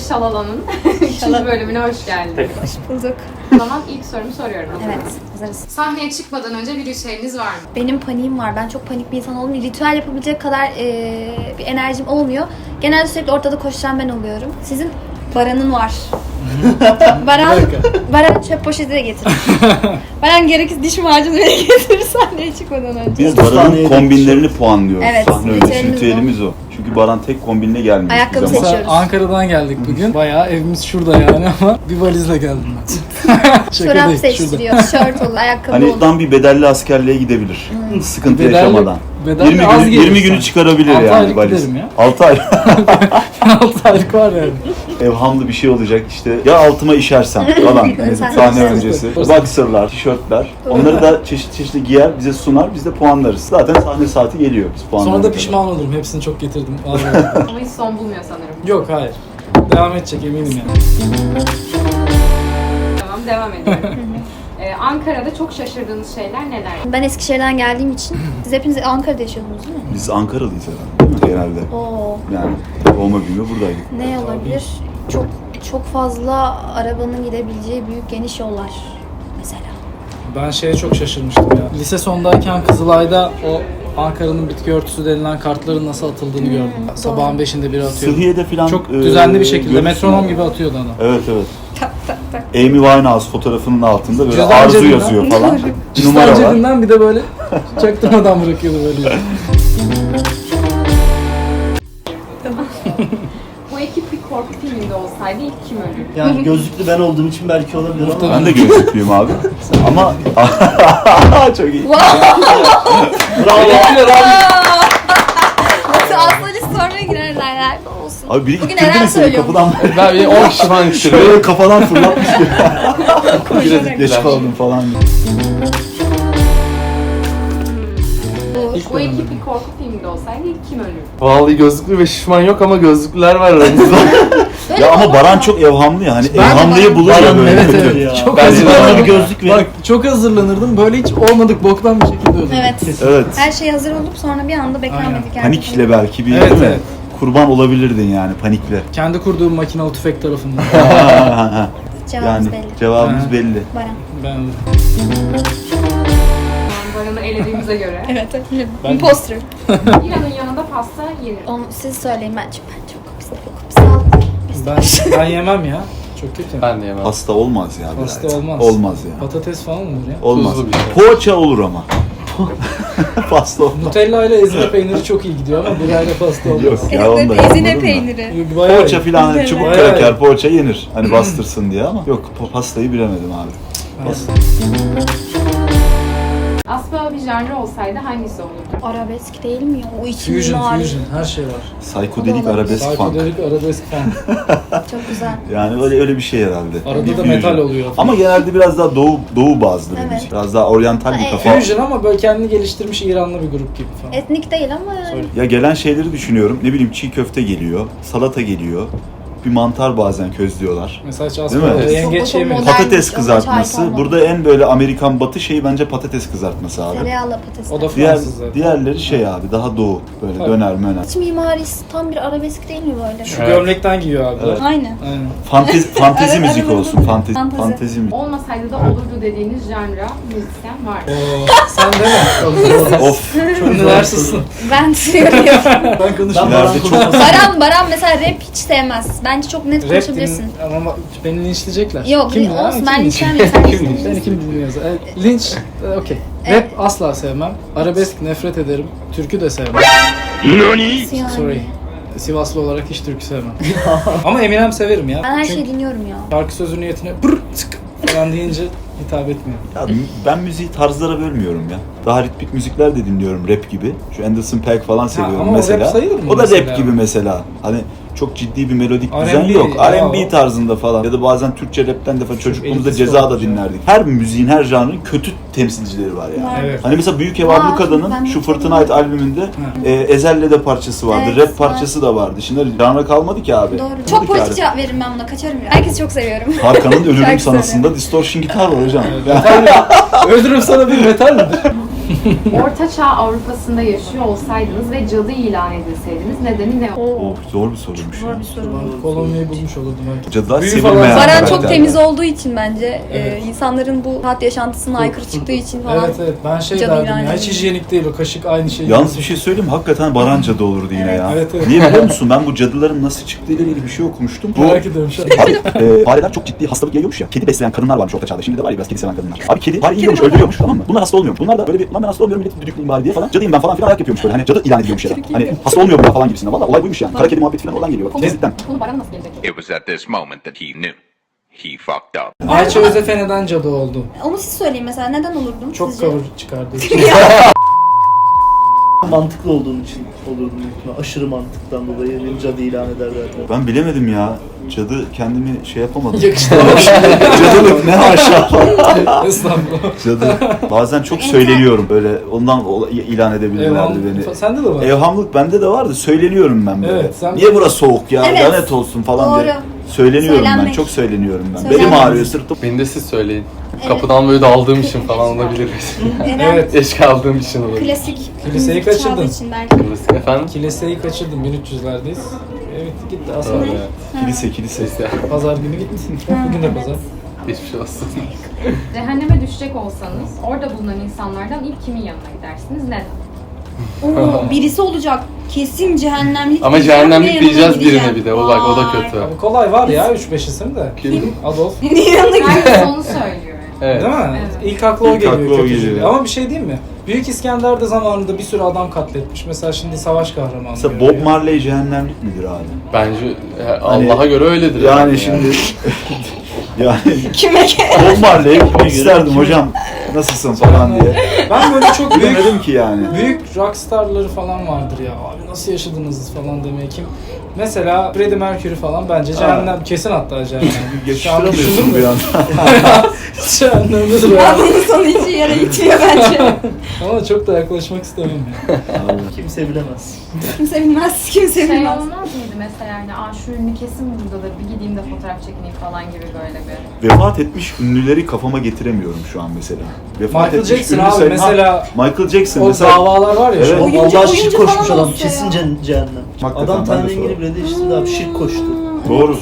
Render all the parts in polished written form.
Şalala'nın 3. bölümüne hoş geldiniz. Hoş bulduk. O zaman ilk sorumu soruyorum. Evet, hazırız. Sahneye çıkmadan önce bir ritüeliniz var mı? Benim paniğim var. Ben çok panik bir insan olduğum için ritüel yapabilecek kadar bir enerjim olmuyor. Genelde sürekli ortada koşan ben oluyorum. Sizin Baran'ın var. Baran çöp poşeti de getirir. Baran gerekirse diş macunu bile getirir sahneye çıkmadan önce. Biz Baran'ın kombinlerini puanlıyoruz. Evet, Sahne öncesi ritüelimiz ritüelimiz o. Çünkü Baran tek kombinle gelmiyor. Ayakkabı hiçbir zaman. seçiyoruz. Ankara'dan geldik bugün. Bayağı evimiz şurada yani ama bir valizle geldim ben. Çorap seçtiriyor, tişört olur, ayakkabı Hani olur. tam bir bedelli askerliğe gidebilir. Sıkıntı Bedelli- yaşamadan. bedelli 20 az günü, gelir 20 günü sanki. çıkarabilir 6 yani aylık valiz. giderim ya. 6 ay. 6 aylık var yani. Evhamlı bir şey olacak işte. Ya altıma işersem falan. Hani Sahne sahne öncesi. öncesi. Boxer'lar, tişörtler. Onları da çeşit çeşitli giyer, bize sunar. Biz de puanlarız. Zaten sahne saati geliyor. Biz puanlarız. Sonra da pişman olurum. Hepsini çok getirdim. Vallahi. Ama hiç son bulmuyor sanırım. Yok hayır. Devam edecek eminim yani. Tamam, devam ediyorum. Ankara'da çok şaşırdığınız şeyler neler? Ben Eskişehir'den geldiğim için, siz hepiniz Ankara'da yaşıyordunuz değil mi? Biz Ankaralıyız herhalde. Genelde. Oo. Yani doğma büyüme buradaydık. Ne olabilir? Çok fazla arabanın gidebileceği büyük geniş yollar mesela. Ben şeye çok şaşırmıştım ya. Lise sondayken Kızılay'da o Ankara'nın bitki örtüsü denilen kartların nasıl atıldığını gördüm. Sabahın 5'inde biri atıyordu. Sıhhiye'de falan Çok düzenli bir şekilde görürsün metronom yani. gibi atıyordu onu. Evet evet. Tak tak tak. Amy Winehouse fotoğrafının altında böyle Cüzdan arzu cebinden- yazıyor falan. Cüzdan Numara var. cebinden bir de böyle çaktırmadan bırakıyordu böyle. Bu ekip bir korku filminde olsaydı ilk kim ölür? Yani gözlüklü ben olduğum için belki olabilir ama Ben de gözlüklüyüm abi. Ama çok iyi. Aslında sonra girerler olsun. Abi biri Bugün ittirdi Eren mi seni söylüyormuş. kapıdan? Ben bir 10 kişi falan Şöyle düşürüyor. kafadan fırlatmış gibi. Koşarak. Geç kaldım falan. Bu ekip bir korku filminde olsaydı ilk kim ölür? Vallahi gözlüklü ve şişman yok ama gözlüklüler var aramızda. Ya ama Baran çok evhamlı ya. Hani evhamlıyı bulur ya Baran böyle. evet kötü. evet ya. Çok Ben hazır bana oldum. bir gözlük verin. Bak çok hazırlanırdım. Böyle hiç olmadık boktan bir şekilde öldüm. Evet. Evet. Her şey hazır olup sonra bir anda beklenmedik yani. Panikle belki bir Evet, değil mi? evet. Kurban olabilirdin yani panikle. Kendi kurduğum makinalı tüfek tarafından. Cevabımız Yani belli. cevabımız Ha. belli. Baran. Ben Baran'ı elediğimize göre. Evet. Ben- Imposter. İran'ın yanında pasta yenir. Onu siz söyleyin ben çok pis. ben yemem ya. Çok kötü. Ben de yemem. Pasta olmaz ya. Pasta birader. olmaz. Olmaz ya. Patates falan olur ya. Olmaz. Tuzlu bir şey. Poğaça olur ama. Pasta olmaz. Nutella ile ezine peyniri çok iyi gidiyor ama birayla pasta olmaz. Yok ya onda Ezine yapılır mı? peyniri. Bayağı Poğaça iyi. filan hani çubuk Bayağı kraker iyi. poğaça yenir. Hani bastırsın diye ama yok pastayı bilemedim abi. Pasta. Aspa bir janrı olsaydı hangisi olurdu? Arabesk değil mi ya? O içim Fusion, var. fusion. Her şey var. Psikodelik arabesk funk. Psychedelic arabesk falan. Çok güzel. Yani öyle bir şey herhalde. Arada da Fusion. metal oluyor. Ama genelde biraz daha doğu bazlı bir Evet. müzik. Biraz daha oryantal bir Ha, kafa. Fusion ama böyle kendini geliştirmiş İranlı bir grup gibi falan. Etnik değil ama yani. Söyle. Ya gelen şeyleri düşünüyorum. Ne bileyim çiğ köfte geliyor, salata geliyor. Bir mantar bazen közlüyorlar. Mesela hiç Değil aslında mi? yengeç Çok yemiyor. modern. Patates ama kızartması. çay Burada en böyle Amerikan batı şeyi bence patates kızartması abi. Tereyağlı patates. O da Diğer, Fransız zaten. diğerleri şey abi daha doğu. Böyle Tabii. döner möner. İç mimarisi tam bir arabesk değil mi böyle? Şu gömlekten giyiyor abi. Evet. Aynen. Aynen. Fantezi Evet, müzik evet, olsun. evet. Fantezi, Fantezi. fantezi müzik. Olmasaydı da olurdu dediğiniz janra müzisyen var. Oo, sen de mi? Of. Çok üniversitesin. Ben söylüyorum. Ben konuşuyorum. Ben İleride çok Baran mesela rap hiç sevmez. Bence çok net Rap konuşabilirsin. ama beni linçleyecekler. Yok, Kim ya? olsun, Kim ben linç- linçlenmeyeyim, sen Kim linçlenirsin. linç? Seni kim dinliyorsa. Linç, okey. Rap asla sevmem. Arabesk nefret ederim. Türkü de sevmem. Yani. Sorry. Sivaslı olarak hiç türkü sevmem. Ama Eminem severim ya. Ben her Çünkü şeyi dinliyorum ya. şarkı sözü niyetine brr tık falan deyince hitap etmiyor. Ya ben müziği tarzlara bölmüyorum ya. Daha ritmik müzikler de dinliyorum rap gibi. Şu Anderson .Paak falan seviyorum ama o mesela. rap sayılır mı O da mesela? rap gibi mesela. Hani çok ciddi bir melodik R&B düzen yok. ya R&B o. tarzında falan. Ya da bazen Türkçe rapten de falan çocukluğumuzda elitist Ceza da olmuş ya. dinlerdik. Her müziğin, her janrın kötü temsilcileri var yani. Var. Evet. Hani mesela Büyük Ev Var, Ablukada'nın ben şu de Fırtına çok Ait albümünde Ezel'le de parçası vardı. Evet, Rap parçası da vardı. Şimdi janra kalmadı ki abi. Doğru. Kalmadı Çok ki politik abi. cevap veririm ben buna. Kaçarım ya. Herkesi çok seviyorum. Tarkan'ın Ölürüm Şarkı Sanası'nda distortion gitar var hocam. Metal mi? Öldürürüm sana bir metal midir? Ortaçağ Avrupa'sında yaşıyor olsaydınız ve cadı ilan edilseydiniz nedeni ne olur? Oh, zor bir soruymuş. Zor bir soru. Kolonyayı bulmuş olurdum belki. Cadılar Büyü sevilmeyen falan. Baran çok karakterler. temiz olduğu için bence Evet. insanların bu hayat yaşantısına aykırı çıktığı için falan. Evet ben şey Cadı derdim ilan ya hiç edildi. hijyenik değil o kaşık aynı şey. Yalnız bir şey söyleyeyim mi? Hakikaten Baran cadı olurdu yine ya. Evet, evet. Niye biliyor musun? Ben bu cadıların nasıl çıktığıyla ilgili bir şey okumuştum. Bu Merak ediyorum şu an. Abi fareler çok ciddi hastalık yayıyormuş ya. Kedi besleyen kadınlar varmış orta çağda. Şimdi de var ya biraz kedi seven kadınlar. Abi kedi fare yiyormuş, öldürüyormuş, tamam mı? Bunlar hasta olmuyormuş. Bunlar da böyle bir lan ben hasta olmuyorum, milleti düdükleyeyim bari diye falan. Cadıyım ben falan filan ayak yapıyormuş böyle. Hani cadı ilan ediliyormuş ya da. Hani hasta olmuyor bunlar falan gibisinden. Valla olay buymuş yani. Kara kedi muhabbeti falan oradan geliyor. Cidden. Bunu Baran nasıl gelecek? It was at this moment that he knew. He fucked up. Ayça Özefe neden cadı oldu? Onu siz söyleyin mesela neden olurdum Çok sizce? cover çıkardığı için. Mantıklı olduğum için olurdum büyük ihtimalle. Aşırı mantıktan dolayı beni cadı ilan ederlerdi. Ben bilemedim ya. Cadı kendimi şey yapamadım. Yakıştıramamış. Cadılık ne haşa. Estağfurullah. Cadı. Bazen çok söyleniyorum böyle. Ondan ilan edebilirlerdi beni. Evhamlık sende de var. Evhamlık bende de vardı. Söyleniyorum ben böyle. Evet, sen- Niye burası soğuk ya? Evet. Lanet olsun falan diye. Doğru. Söyleniyorum ben. Söylenmek. Çok söyleniyorum ben. Söylenmek. Belim ağrıyor, sırtım. Beni de siz söyleyin. Kapıdan böyle daldığım için falan olabilir. Evet. Geç kaldığım için olabilir. Klasik. Kiliseyi müzik kaçırdın. çaldığı için belki. Efendim? Kiliseyi kaçırdım 1300'lerdeyiz. Evet gitti az sonra. Doğru, evet. Kilise. Neyse. Pazar günü gitti. Bugün de pazar. Geçmiş olsun. Cehenneme düşecek olsanız orada bulunan insanlardan ilk kimin yanına gidersiniz? Neden? Oo, birisi olacak. Kesin cehennemlik. Ama diyeceğim ve cehennemlik yanına diyeceğiz gideceğim. birine bir de. O bak o da Vay. kötü. Abi kolay var ya 3-5 isim de. Kim? Adolf. Yanına gideceğim. Herkes onu söylüyor yani. Evet. Değil mi? Evet. İlk aklı o İlk geliyor. aklı o kötücül. geliyor. Ama bir şey diyeyim mi? Büyük İskender de zamanında bir sürü adam katletmiş. Mesela şimdi savaş kahramanı. Mesela görüyor. Bob Marley cehennemlik midir abi? Bence Hani- Allah'a göre öyledir. Yani şimdi yani Kime Bob Marley'i gitmek isterdim hocam. Nasılsın falan diye. Ben böyle çok büyük Bilemedim ki yani. büyük rockstarları falan vardır ya. Abi nasıl yaşadınız falan demeye kim? Mesela Freddie Mercury falan bence cehennem kesin hatta cehennem. Şu an düşündün Geçiştiramıyorsun bir mü? anda. Cehennemdedir Ya ya. bunun sonu hiç yere gitmiyor bence. Ama çok da yaklaşmak istemem ya. Kimse bilemez. Kimse bilmez, kimse Şey bilmez. olmaz mıydı mesela yani şu ünlü kesin buradadır bir gideyim de fotoğraf çekineyim falan gibi böyle bir. Vefat etmiş ünlüleri kafama getiremiyorum şu an mesela. Vefat Michael etmiş Jackson ünlü abi sayın- mesela Ha, Michael Jackson o mesela. davalar var ya Evet. şu an. Oyuncu- Allah şirk oyuncu koşmuş falan adam. olsa Kesin ya. cehennem. Hakikaten Adam ben de Tanrı sorarım. rengini bile değiştirdi abi. Şirk koştu. Doğru.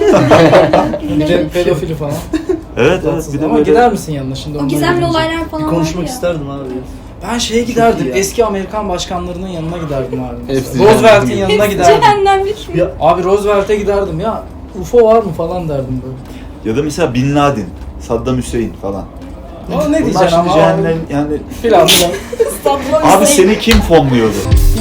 Bir de pedofili falan. Evet evet. Bir de Ama böyle- gider misin yanına şimdi? O onları gizemli görünce? olaylar falan Bir var konuşmak ya. isterdim abi. Ben şeye giderdim. iyi ya. Eski Amerikan başkanlarının yanına giderdim abi. mesela. Hepsi Roosevelt'in cehennem. yanına giderdim. Cehennemlik mi? Ya Abi Roosevelt'e giderdim ya. UFO var mı falan derdim böyle. Ya da mesela Bin Laden, Saddam Hüseyin falan. Ama ne Bunlar diyeceksin şimdi ama cehennem yani. filan filan. Abi seni kim fonluyordu?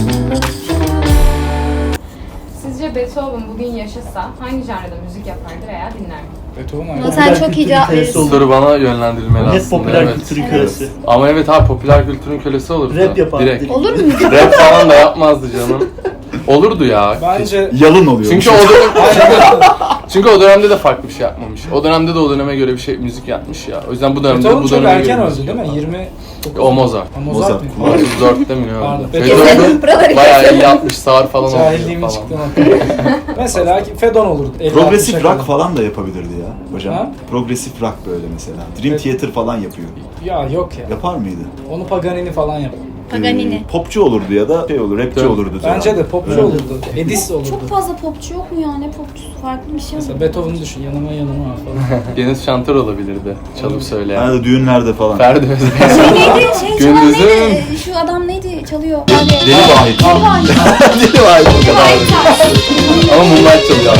Sizce Beethoven bugün yaşasa hangi janrada müzik yapardı veya dinler mi? Beethoven Ama aynı. sen Popüler çok iyi kültürün cevap kölesi verirsin. olur. Soru bana yönlendirilmeli net aslında. popüler evet. kültürün Evet. kölesi. Ama evet abi popüler kültürün kölesi olurdu. Rap yapardı. Direkt. Olur mu? Rap falan da yapmazdı canım. Olurdu ya. Bence Yalın oluyor. Çünkü o çünkü o dönemde de farklı bir şey yapmamış. O dönemde de o döneme göre bir şey müzik yapmış ya. O yüzden bu dönemde Beethoven bu çok döneme erken göre öldü müzik değil mi? yapar. 20 O Mozart. Ha, Mozart Mozart. mı? 34'te mi ne Pardon. öldü? Beethoven- Beethoven bayağı iyi yapmış, sağır falan Cahilliğimin oluyor falan. çıktığını Mesela Fedon olurdu. 50-60'a Progresif kadar. rock falan da yapabilirdi ya hocam. Ha? Progresif rock böyle mesela. Dream Evet. Theater falan yapıyor. Ya yok ya. Yapar mıydı? Onu Paganini falan yapar. Paganini. Popçu olurdu ya da şey olur, rapçi Evet. olurdu. zaten. Bence de popçu Evet. olurdu. Edis olurdu. Çok fazla popçu yok mu ya? Ne popçusu? Farklı bir şey Mesela olur. Beethoven'ı düşün yanıma falan. Deniz Şantör olabilirdi. Çalıp söyleyen. Yani düğünlerde falan. Ferdi Özbey. Şey neydi? Şey çalan Gündüzün- neydi? Şu adam neydi? Çalıyor. Deli Vahit. Deli Vahit. Deli Vahit. Deli Vahit. Ama Moonlight çalıyor.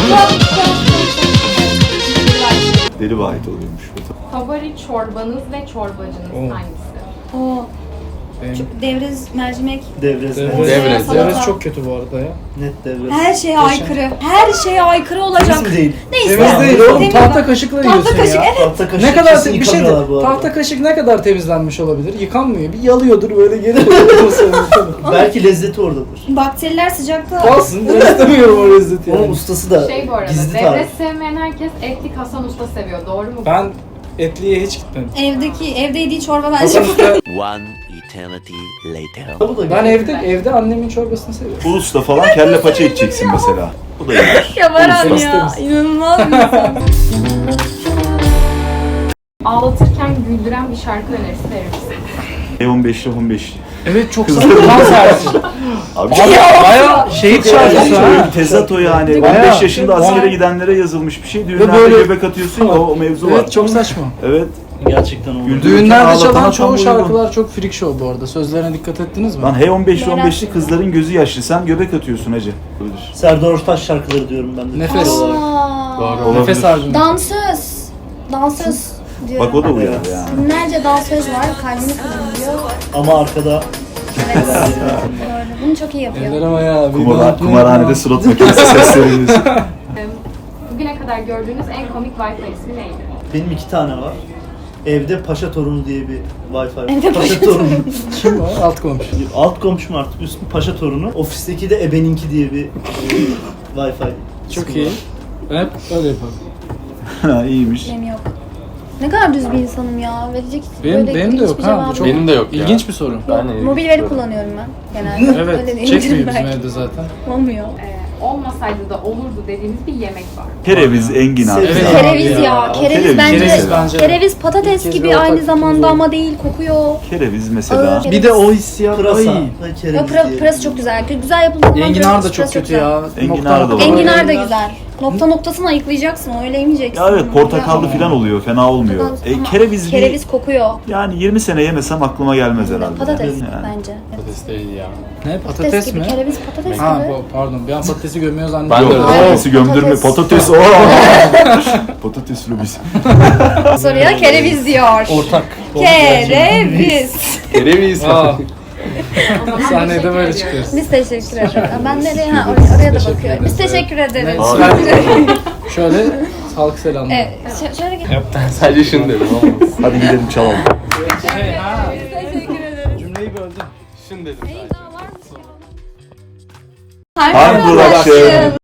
Deli Vahit oluyormuş. Favori çorbanız ve çorbacınız Oo. hangisi? Oo, Benim çok devrez, mercimek. Devrez. Devrez. Devrez çok kötü bu arada ya. Net devrez. Her şeye aykırı. Her şeye aykırı olacak. Temiz mi değil? Neyse. Temiz değil oğlum. Temiz Tahta bak. kaşıkla Tahta yiyorsun kaşık, ya. evet. Tahta kaşık Ne kadar kesin bir şey de yıkamıyorlar bu arada. tahta kaşık ne kadar temizlenmiş olabilir? Yıkanmıyor. Bir yalıyordur böyle geri Belki lezzeti oradadır. Bakteriler sıcakta. Kalsın. Ben istemiyorum o lezzeti Onun yani. ustası da Şey bu arada, gizli devlet tarif. sevmeyen herkes etlik Hasan Usta seviyor. Doğru mu? Ben etliye hiç gitmedim. Evde yediği çorba bence. Hasan Usta, One eternity later. Bu da ben güzel. evde annemin çorbasını seviyorum. Ulus'ta falan kelle paça içeceksin mesela. Bu da iyidir. Ya Baran Temiz, ya. temiz. İnanılmaz bir insan. Ağlatırken güldüren bir şarkı önerisi verir misiniz? E15'li 15'li. Evet çok saçma. Tam tersi. Abi Bayağı şehit şarkısı ha. şöyle bir tezat o yani. Bayağı. 15 yaşında askere Bayağı. gidenlere yazılmış bir şey. Düğünlerde böyle- göbek atıyorsun ya o mevzu var. Evet çok saçma. Evet. Gerçekten oldu. Güldürürken Düğünlerde ağlatana çalan tam çoğu uygun. şarkılar çok freak show bu arada. Sözlerine dikkat ettiniz mi? Lan H15'li kızların gözü yaşlı. Sen göbek atıyorsun hacı. Olabilir. Serdar Ortaç şarkıları diyorum ben de. Nefes. Türkçe olarak. Doğru. Nefes albümü. Dansöz. Dansöz diyorum. Bak o da uyarı yani. Binlerce dansöz var. Kalbini kırılıyor. Ama arkada Evet. Doğru. Bunu çok iyi yapıyor. Eller ayağı. Kumarhanede surat makinesi sesleri. Bugüne kadar gördüğünüz en komik Wi-Fi ismi neydi? benim 2 tane var. Evde Paşa Torunu diye bir Wi-Fi var. Evde Paşa Torunu. Kim o? Alt komşu. Alt komşum artık üstü Paşa Torunu. Ofisteki de Ebeninki diye bir Wi-Fi. Çok ismi iyi. var. Ben hep öyle yaparım. Ha iyiymiş. Benim yok. Ne kadar düz bir insanım ya. Verecek Benim böyle de yok hiçbir ha. cevabım Bu çok Benim de yok ya. İlginç bir soru. Ben de Mobil veri kullanıyorum ben genelde. Öyle Evet. değil, Çekmiyor bizim belki. evde zaten. Olmuyor. Olmasaydı da olurdu dediğiniz bir yemek var. Kereviz, enginar. Evet. falan. Kereviz ya. Kereviz Kereviz bence. Kereviz bence. Kereviz patates İlk kez gibi bir aynı ortak zamanda buldu. ama değil, kokuyor. Kereviz mesela. Ağır. Bir de o hissiyat. Pırasa. Ay. ve kereviz Ya diye. pırası çok güzel. Güzel yapıldığı zaman Enginar da pırası çok kötü güzel. ya. Enginar da var. Enginar da güzel. Nokta noktasını ayıklayacaksın, öyle yemeyeceksin. Ya evet portakallı falan oluyor. Fena olmuyor. Ama Kereviz kereviz kokuyor. yani 20 sene yemesem aklıma gelmez herhalde. Patates Yani. bence. Patates değil ya. Ne? Patates Patates gibi, mi? kereviz patates Ha gibi. pardon. Bir an patatesi gömüyor Ben zannediyorum. de Yok, öyle. patatesi gömdürme. Patates. Patates. Patates lobisi. Soruya kereviz diyor. Ortak. Kereviz. Kereviz. Aa, O zaman sahnede teşekkür böyle ediyoruz. çıkıyoruz. Biz teşekkür ederiz. Ben nereye? Ha, oraya da bakıyorum. Biz teşekkür ederiz. Şöyle sağlık selamları. Evet, şöyle gel. Ben sadece şunu dedim ama. Hadi gidelim çalalım. Cümleyi böldüm. Şunu dedim sadece. Harbi uğraşın.